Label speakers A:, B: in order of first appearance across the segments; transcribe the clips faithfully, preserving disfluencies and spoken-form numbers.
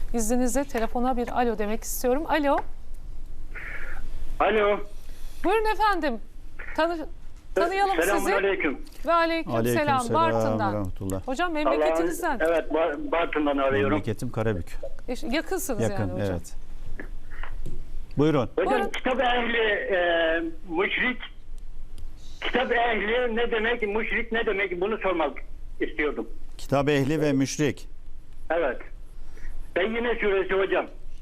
A: İzninizle telefona bir alo demek istiyorum. Alo.
B: Alo.
A: Buyurun efendim. Tanı tanıyalım sizi.
B: Selamünaleyküm.
A: Ve aleyküm,
C: Aleyküm
A: selam.
C: selam ve
A: Bartın'dan.
C: rahmetullah.
A: Hocam memleketinizden.
B: Allah'ın- Evet, Bar- Bartın'dan arıyorum.
C: Memleketim Karabük.
A: E, Yakınsınız
C: Yakın,
A: yani hocam.
C: evet. Buyurun.
B: Hocam
A: Buyurun.
B: kitap ehli e, müşrik, kitap ehli ne demek, müşrik ne demek, bunu sormak istiyordum.
C: Kitap ehli ve müşrik.
B: Evet. Beyyine suresi hocam.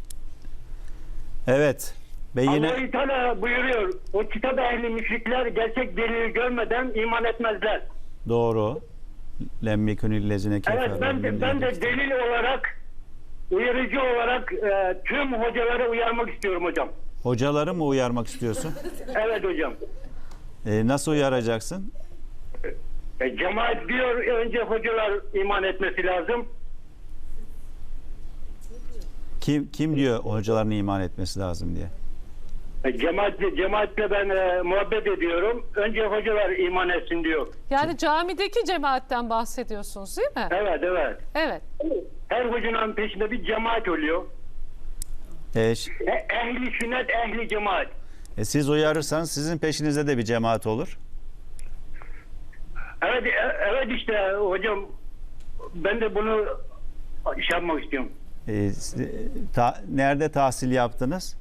C: Evet. Beyine
B: Allah-u Teala buyuruyor, o kitap ehli müşrikler gerçek delil görmeden iman etmezler.
C: doğru. Lemmikünillezine
B: Evet, ben de, ben de delil olarak, uyarıcı olarak e, tüm hocalara uyarmak istiyorum hocam.
C: Hocaları mı uyarmak istiyorsun?
B: Evet hocam.
C: Ee, nasıl uyaracaksın?
B: E, cemaat diyor, önce hocalar iman etmesi lazım.
C: Kim kim diyor hocaların iman etmesi lazım diye?
B: E, Cemaatle, cemaatle ben e, muhabbet ediyorum. Önce hocalar iman etsin diyor.
A: Yani camideki cemaatten bahsediyorsunuz değil mi?
B: Evet, evet.
A: Evet.
B: Her hocanın peşinde bir cemaat oluyor.
C: Ee, ş-
B: E, ehli sünnet, ehli cemaat.
C: e, siz uyarırsanız sizin peşinizde de bir cemaat olur.
B: Evet, e, evet işte hocam, ben de bunu şey yapmak istiyorum.
C: Ee, s- ta- nerede tahsil yaptınız?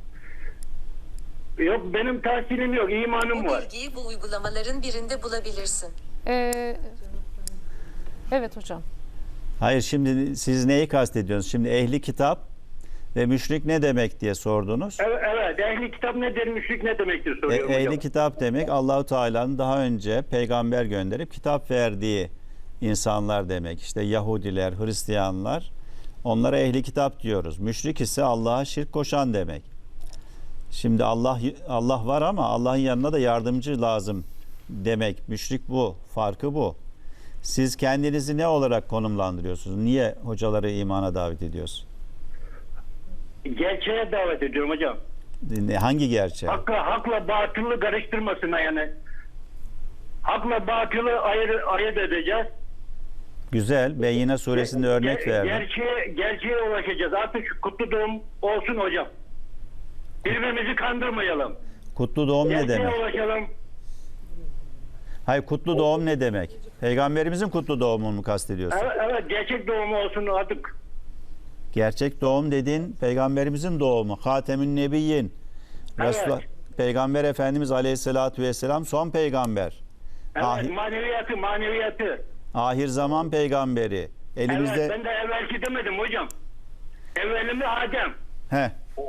B: Yok, benim tahsilim yok, imanım
D: Bu
B: var.
D: bilgiyi bu uygulamaların birinde bulabilirsin.
A: Ee, evet hocam.
C: Hayır, şimdi siz neyi kastediyorsunuz? Şimdi ehli kitap ve müşrik ne demek diye sordunuz.
B: Evet, evet, ehli kitap nedir, müşrik ne demektir
C: E,
B: soruyorum
C: ehli
B: hocam.
C: kitap demek Allahu Teala'nın daha önce peygamber gönderip kitap verdiği insanlar demek. İşte Yahudiler, Hristiyanlar, onlara ehli kitap diyoruz. Müşrik ise Allah'a şirk koşan demek. Şimdi Allah Allah var ama Allah'ın yanına da yardımcı lazım demek. Müşrik bu, farkı bu. Siz kendinizi ne olarak konumlandırıyorsunuz? Niye hocaları imana davet ediyorsunuz?
B: Gerçeğe davet ediyorum hocam.
C: Ne- Hangi gerçeğe?
B: Hakla, hakla batılı karıştırmasına yani. Hakla batılı ayır, ayırt edeceğiz.
C: Güzel. Beyyine suresinde örnek
B: Ger-
C: verdim.
B: Gerçeğe, gerçeğe ulaşacağız. Artık şu kutlu doğum olsun hocam. Birbirimizi kandırmayalım.
C: Kutlu doğum ne
B: Gerçeğe
C: demek?
B: ulaşalım.
C: Hayır, kutlu doğum ne demek? Peygamberimizin kutlu doğumunu mu kastediyorsun?
B: Evet, evet, gerçek doğum olsun artık.
C: Gerçek doğum dediğin peygamberimizin doğumu. Hatemün Nebiyyin.
B: Evet.
C: Resulullah- Peygamber Efendimiz Aleyhisselatü Vesselam son peygamber.
B: Evet,
C: Ahir,
B: maneviyatı, maneviyatı.
C: ahir zaman peygamberi. Elimizde...
B: Evet, ben de evvelki demedim hocam. Evvelimi Adem.
C: He.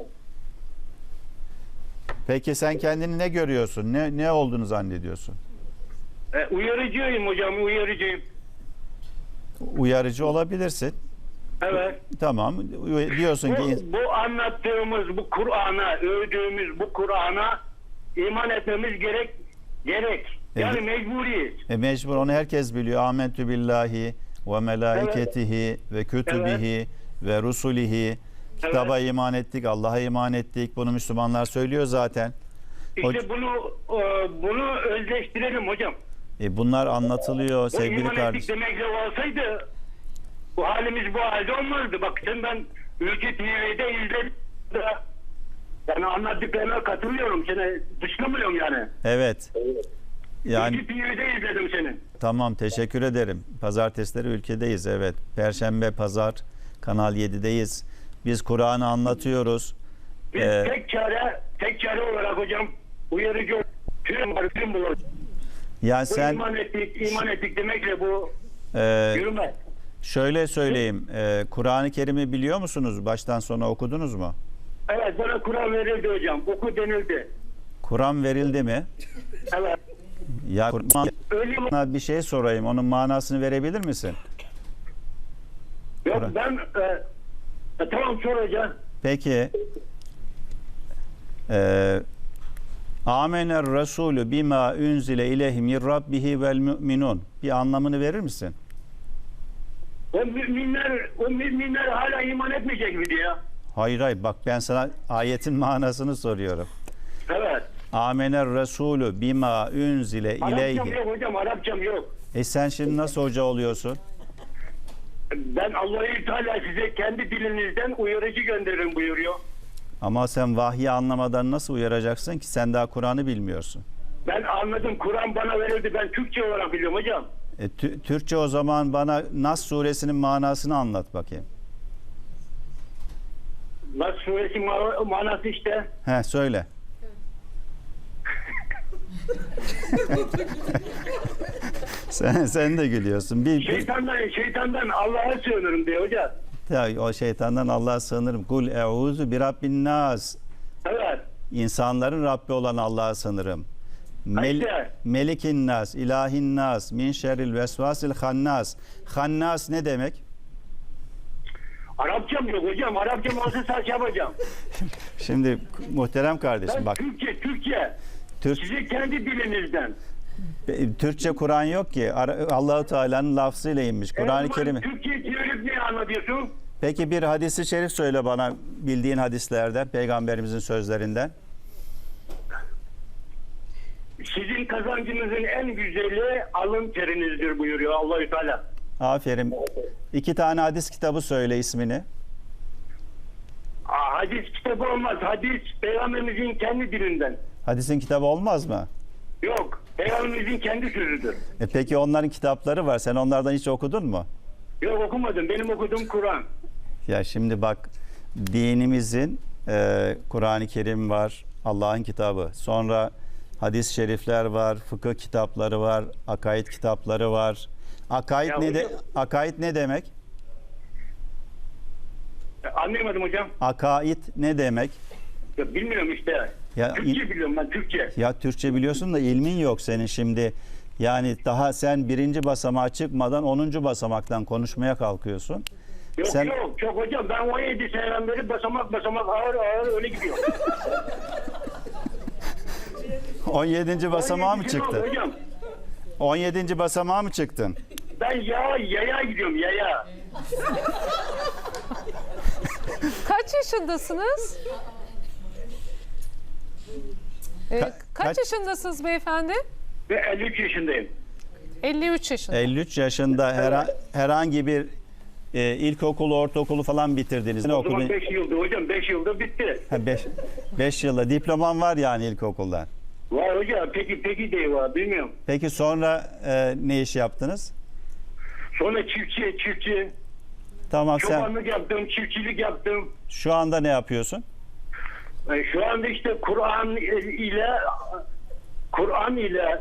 C: Peki sen kendini ne görüyorsun? Ne ne olduğunu zannediyorsun?
B: E, uyarıcıyım hocam, uyarıcıyım.
C: Uyarıcı olabilirsin.
B: Evet.
C: Tamam. Diyorsun ki
B: Bu, bu anlattığımız bu Kur'an'a, övdüğümüz bu Kur'an'a iman etmemiz gerek. Gerek. Yani
C: Evet.
B: mecburiyiz.
C: e, mecbur, onu herkes biliyor. Amentü billahi ve melaiketihi ve kütübihi ve rusulihi. Kitaba iman ettik, Allah'a iman ettik. Bunu Müslümanlar söylüyor zaten.
B: İşte
C: Hoc-
B: bunu e, bunu özleştirelim hocam.
C: E, bunlar anlatılıyor
B: Bu
C: sevgili
B: iman ettik
C: kardeşim.
B: demekle olsaydı bu halimiz bu halde olmazdı. Bak sen, ben Ülke T V'de izledim. Yani anlattıklarına katılıyorum. Seni dışlamıyorum yani.
C: Evet. Yani
B: Ülke T V'de izledim seni.
C: tamam, teşekkür ederim. Pazartesileri ülkedeyiz, evet. Perşembe, pazar Kanal yedideyiz. Biz Kur'an'ı anlatıyoruz.
B: Biz
C: Ee,
B: tek çare, tek çare olarak hocam uyarıcı tüm var, tüm bulur.
C: Yani
B: Bu
C: sen
B: iman ettik, iman ettik demekle bu
C: e,
B: yürümez.
C: şöyle söyleyeyim. e, Kur'an-ı Kerim'i biliyor musunuz? Baştan sona okudunuz mu?
B: Evet, bana Kur'an verildi hocam. Oku denildi.
C: Kur'an verildi mi?
B: Evet.
C: Ya Kur'an,
B: Öyle mi?
C: bir şey sorayım. Onun manasını verebilir misin?
B: Yok
C: Kur'an.
B: ben e, e, tamam sor hocam.
C: Peki e, Amener Resulü bima unzile ileyhi min rabbihi vel müminun. Bir anlamını verir misin?
B: O müminler, o müminler hala iman etmeyecek mi diye.
C: Hayır hayır, bak ben sana ayetin manasını soruyorum.
B: Evet.
C: Amener Resulü bima unzile
B: Arapçam
C: ileyhi.
B: yok hocam, Arapçam yok.
C: E sen şimdi nasıl hoca oluyorsun?
B: Ben Allahü Teala size kendi dilinizden uyarıcı gönderin buyuruyor.
C: Ama sen vahyi anlamadan nasıl uyaracaksın ki? Sen daha Kur'an'ı bilmiyorsun.
B: Ben anladım. Kur'an bana verildi. Ben Türkçe olarak biliyorum hocam.
C: E, tü- Türkçe o zaman bana Nas suresinin manasını anlat bakayım.
B: Nas suresi ma- manası işte.
C: He söyle. sen sen de gülüyorsun. Bir, bir
B: Şeytandan, şeytandan Allah'a sığınırım diyor hocam.
C: ya, o şeytandan Allah'a sığınırım. Kul eûzu bi rabbin nas.
B: Evet.
C: İnsanların Rabbi olan Allah'a sığınırım. Mel,
B: Haydi.
C: Melikin nas, ilahin nas, min şerril vesvasil hannas. Hannas ne demek?
B: Arapçam yok hocam. Arapçam olsa saç yapacağım.
C: Şimdi muhterem kardeşim
B: Ben
C: bak,
B: Türkçe, Türkçe.
C: Türk,
B: Size kendi dilinizden.
C: Türkçe Kur'an yok ki. Ara- Allahu Teala'nın lafzıyla inmiş. Kur'an-ı
B: E,
C: Kerim'i.
B: Türkçe çevirip ne anlatıyorsun?
C: Peki bir hadisi şerif söyle bana, bildiğin hadislerden, peygamberimizin sözlerinden.
B: Sizin kazancınızın en güzeli alın terinizdir buyuruyor Allahü Teala.
C: Aferin. İki tane hadis kitabı söyle ismini.
B: Aa, hadis kitabı olmaz. Hadis peygamberimizin kendi dilinden.
C: Hadisin kitabı olmaz mı?
B: Yok. Peygamberimizin kendi sözüdür.
C: E peki onların kitapları var. Sen onlardan hiç okudun mu?
B: Yok okumadım. Benim okuduğum Kur'an.
C: Ya şimdi bak, dinimizin e, Kur'an-ı Kerim var, Allah'ın kitabı. Sonra hadis-i şerifler var, fıkıh kitapları var, akaid kitapları var. Akaid
B: Ya
C: ne de
B: hocam-
C: akaid ne demek?
B: Anlayamadım hocam.
C: Akaid ne demek?
B: Ya bilmiyorum işte.
C: Ya,
B: Türkçe biliyorum ben Türkçe.
C: Ya Türkçe biliyorsun da ilmin yok senin şimdi. Yani daha sen birinci basamağa çıkmadan onuncu basamaktan konuşmaya kalkıyorsun.
B: Yok
C: Sen-
B: yok çok hocam. Ben on yedi seneden beri basamak basamak ağır ağır öyle gidiyor.
C: on yedinci basamağa mı
B: on yedi sene oldu
C: çıktın?
B: Hocam.
C: on yedinci basamağa mı çıktın?
B: Ben ya yaya gidiyorum yaya.
A: Kaç yaşındasınız? Ee,
C: Ka-
A: kaç,
C: kaç-
A: yaşındasınız beyefendi?
B: Ve elli üç yaşındayım.
A: elli üç yaşında.
C: elli üç yaşında hera- herhangi bir e, ilkokulu, ortaokulu falan bitirdiniz. Ne
B: O zaman
C: okudun?
B: beş yıldır hocam. beş yılda bitti.
C: beş yılda diploman var yani ilkokuldan.
B: Var hocam. Peki peki de var. Bilmiyorum.
C: Peki sonra e, ne iş yaptınız?
B: Sonra çiftçi çiftçi.
C: Tamam, sen
B: Çobanlık yaptım. Çiftçilik yaptım.
C: şu anda ne yapıyorsun?
B: E, Şu anda işte Kur'an ile Kur'an ile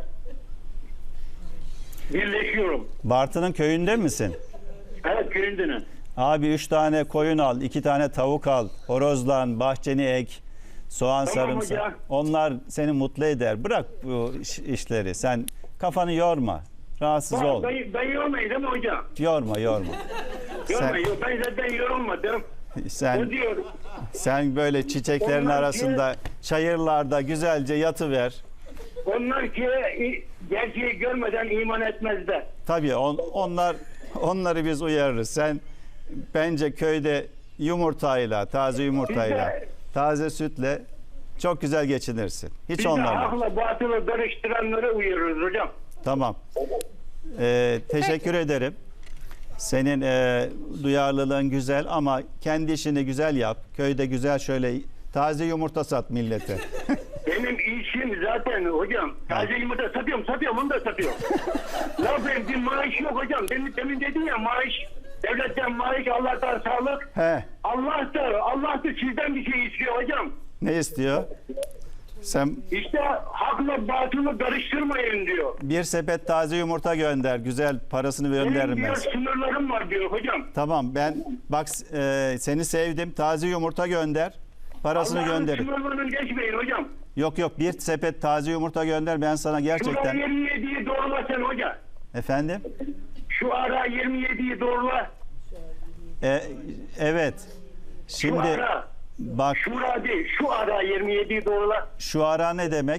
B: birleşiyorum.
C: Bartın'ın köyünde misin?
B: Evet köyündenim.
C: Abi üç tane koyun al, iki tane tavuk al, horozlan, bahçeni ek, soğan
B: Tamam
C: sarımsak.
B: hocam.
C: Onlar seni mutlu eder. Bırak bu iş- işleri. Sen kafanı yorma. Rahatsız ol.
B: Ben, ben yormayayım değil mi hocam?
C: Yorma, yorma.
B: Yormayın. Yok, ben zaten yorulmadım. O
C: Sen
B: diyor.
C: sen böyle çiçeklerin
B: Onlar
C: arasında, çayırlarda güzelce yatıver.
B: Onlar ki i- gerçeği görmeden iman etmezler.
C: Tabii on, onlar onları biz uyarırız. Sen bence köyde yumurtayla, taze yumurtayla,
B: Biz de-
C: taze sütle çok güzel geçinirsin. Hiç
B: Biz de
C: onlarla.
B: hakla batılı karıştıranları uyarırız hocam.
C: Tamam. Ee, teşekkür ederim. Senin e, duyarlılığın güzel ama kendi işini güzel yap. Köyde güzel şöyle taze yumurta sat millete.
B: Benim işim zaten hocam. Taze yumurta satıyorum, satıyorum, onu da satıyorum. Ya benim bir maaş yok hocam. Demin, demin dedin ya maaş. Devletten maaş, Allah'tan sağlık.
C: He,
B: Allah da, Allah da sizden bir şey istiyor hocam.
C: ne istiyor? Sen
B: İşte hakla batılı karıştırmayın diyor.
C: bir sepet taze yumurta gönder. Güzel, parasını
B: Benim
C: gönderirim
B: diyor
C: ben.
B: sınırlarım var diyor hocam.
C: Tamam, ben bak e, seni sevdim. Taze yumurta gönder. Parasını
B: Allah'ın
C: gönderin.
B: sınırlarını geçmeyin hocam.
C: Yok yok, bir sepet taze yumurta gönder. Ben sana
B: Şu ara
C: gerçekten...
B: yirmi yediyi doğrula sen hoca.
C: Efendim?
B: Şu ara yirmi yediyi doğrula.
C: E, evet.
B: Şu
C: Şimdi
B: ara.
C: bak,
B: Şura değil. Şu ara yirmi yediyi doğrula.
C: şu ara ne demek?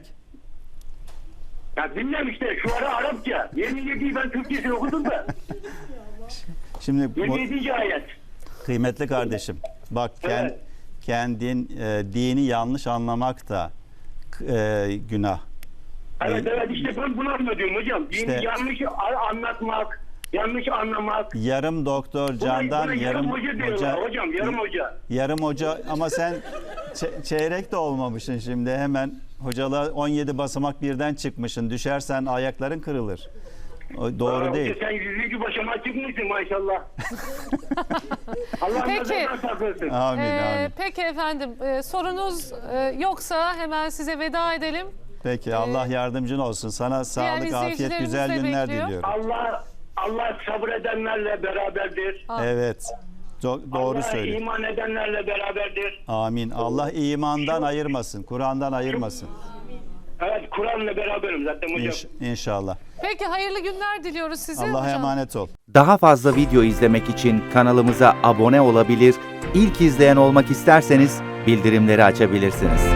B: Ya bilmem işte şu ara Arapça. yirmi yediyi ben Türkçesini okudum da.
C: Şimdi bu,
B: yirmi yedinci ayet.
C: kıymetli kardeşim, bak kend,
B: Evet.
C: kendin e, dini yanlış anlamak da e, günah.
B: Evet
C: E,
B: evet işte ben bunu anlatıyorum hocam. Dini
C: İşte-
B: yanlış a- anlatmak, yanlış anlamak.
C: Yarım doktor
B: Buna-
C: Candan,
B: buna
C: yarım
B: hoca diyorlar
C: hoca.
B: hocam, yarım hoca.
C: Yarım hoca ama sen ç- çeyrek de olmamışsın şimdi, hemen hocalığa on yedi basamak birden çıkmışsın. Düşersen ayakların kırılır. O doğru
B: Aa,
C: değil.
B: hoca, sen yüzüncü başıma çıkmışsın maşallah. Allah
A: Peki.
B: nazardan saklasın.
C: Amin
A: Ee,
C: amin.
A: peki efendim, e, sorunuz e, yoksa hemen size veda edelim.
C: Peki Allah yardımcın olsun. Sana sağlık, afiyet,
A: izleyicilerimiz
C: güzel
A: de
C: günler
A: bekliyor.
C: diliyorum.
B: Allah Allah sabredenlerle beraberdir.
C: Evet. Do- doğru
B: Allah
C: söylüyorsun.
B: iman edenlerle beraberdir.
C: Amin. Allah imandan ayırmasın. Kur'an'dan ayırmasın.
B: Evet, Kur'an'la beraberim zaten hocam.
C: İnş- İnşallah.
A: Peki hayırlı günler diliyoruz size.
C: Allah'a
A: hocam.
C: emanet ol.
E: Daha fazla video izlemek için kanalımıza abone olabilir, ilk izleyen olmak isterseniz bildirimleri açabilirsiniz.